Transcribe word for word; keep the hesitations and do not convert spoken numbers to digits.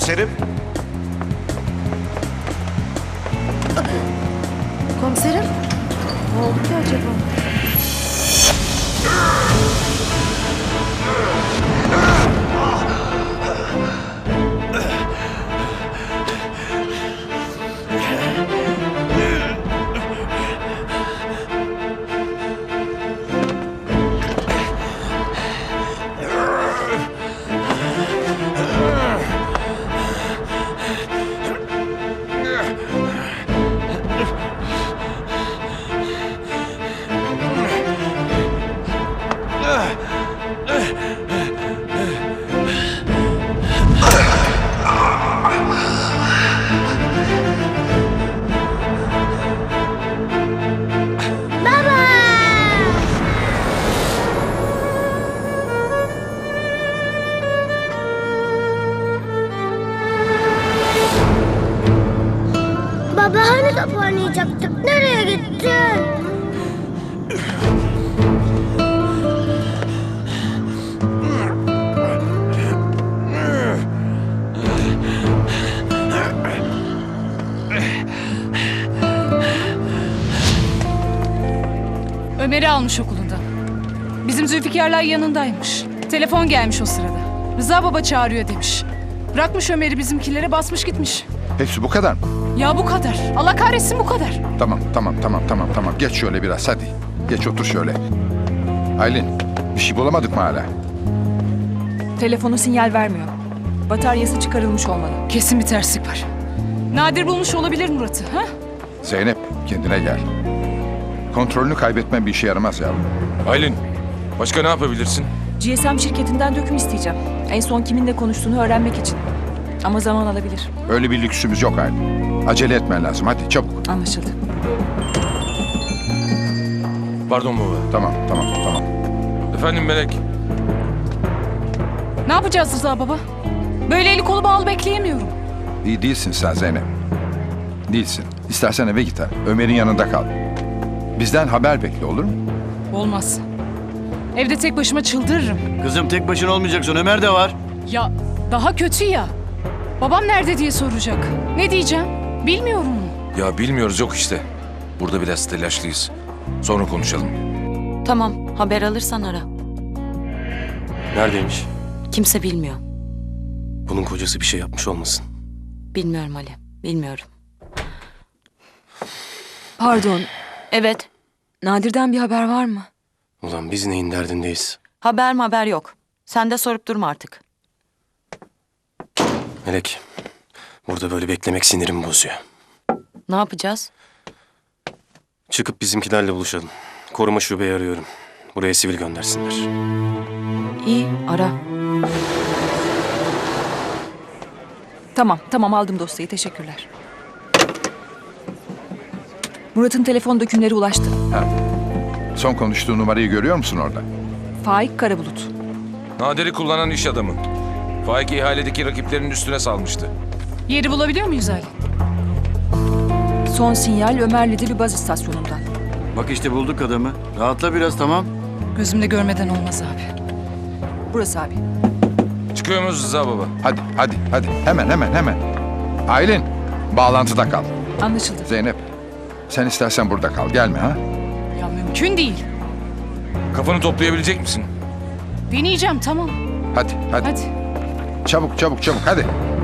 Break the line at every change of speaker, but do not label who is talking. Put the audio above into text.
Komiserim.
Komiserim? Ne oldu ki acaba?
Baba hani top oynayacaktık? Nereye gittin?
Ömer'i almış okulundan. Bizim Zülfikarlar yanındaymış. Telefon gelmiş o sırada. Rıza baba çağırıyor demiş. Bırakmış Ömer'i bizimkilere, basmış gitmiş.
Hepsi bu kadar mı?
Ya bu kadar. Allah kahretsin, bu kadar.
Tamam, tamam, tamam, tamam, tamam. Geç şöyle biraz, hadi. Geç otur şöyle. Aylin, bir şey bulamadık mı hala?
Telefonu sinyal vermiyor. Bataryası çıkarılmış olmalı.
Kesin bir terslik var. Nadir bulmuş olabilir Murat'ı, ha?
Zeynep, kendine gel. Kontrolünü kaybetmen bir işe yaramaz yavrum.
Aylin, başka ne yapabilirsin?
G S M şirketinden döküm isteyeceğim. En son kiminle konuştuğunu öğrenmek için. Ama zaman alabilir.
Öyle bir lüksümüz yok Aylin. Acele etmen lazım, hadi çabuk.
Anlaşıldı.
Pardon baba.
Tamam, tamam, tamam.
Efendim Melek.
Ne yapacağız Rıza baba? Böyle eli kolu bağlı bekleyemiyorum.
İyi değilsin sen Zeynep. Değilsin. İstersen eve git ha. Ömer'in yanında kal. Bizden haber bekle, olur mu?
Olmaz. Evde tek başıma çıldırırım.
Kızım tek başına olmayacaksın. Ömer de var.
Ya daha kötü ya. Babam nerede diye soracak. Ne diyeceğim? Bilmiyorum.
Ya bilmiyoruz yok işte. Burada biraz telaşlıyız. Sonra konuşalım.
Tamam, haber alırsan ara.
Neredeymiş?
Kimse bilmiyor.
Bunun kocası bir şey yapmış olmasın.
Bilmiyorum Ali, bilmiyorum.
Pardon.
Evet,
Nadir'den bir haber var mı?
Ulan biz neyin derdindeyiz?
haber mi haber yok. Sen de sorup durma artık.
Melek, burada böyle beklemek sinirimi bozuyor.
Ne yapacağız?
Çıkıp bizimkilerle buluşalım. Koruma şubeyi arıyorum. Buraya sivil göndersinler.
İyi, ara.
Tamam, tamam aldım dosyayı. Teşekkürler. Murat'ın telefon dökümleri ulaştı.
Ha. Son konuştuğu numarayı görüyor musun orada?
Faik Karabulut.
Nadir'i kullanan iş adamı. Faik ihaledeki rakiplerinin üstüne salmıştı.
Yeri bulabiliyor muyuz Ali?
Son sinyal Ömerli'de baz istasyonundan.
Bak işte bulduk adamı. Rahatla biraz, tamam.
Gözümde görmeden olmaz abi.
Burası abi.
Çıkıyor muyuz Rıza baba?
Hadi, hadi, hadi. Hemen, hemen, hemen. Aylin, bağlantıda kal.
Anlaşıldı.
Zeynep, sen istersen burada kal. Gelme ha.
Ya mümkün değil.
Kafanı toplayabilecek misin?
Deneyeceğim, tamam.
Hadi, hadi.
Hadi.
Çabuk, çabuk, çabuk. Hadi.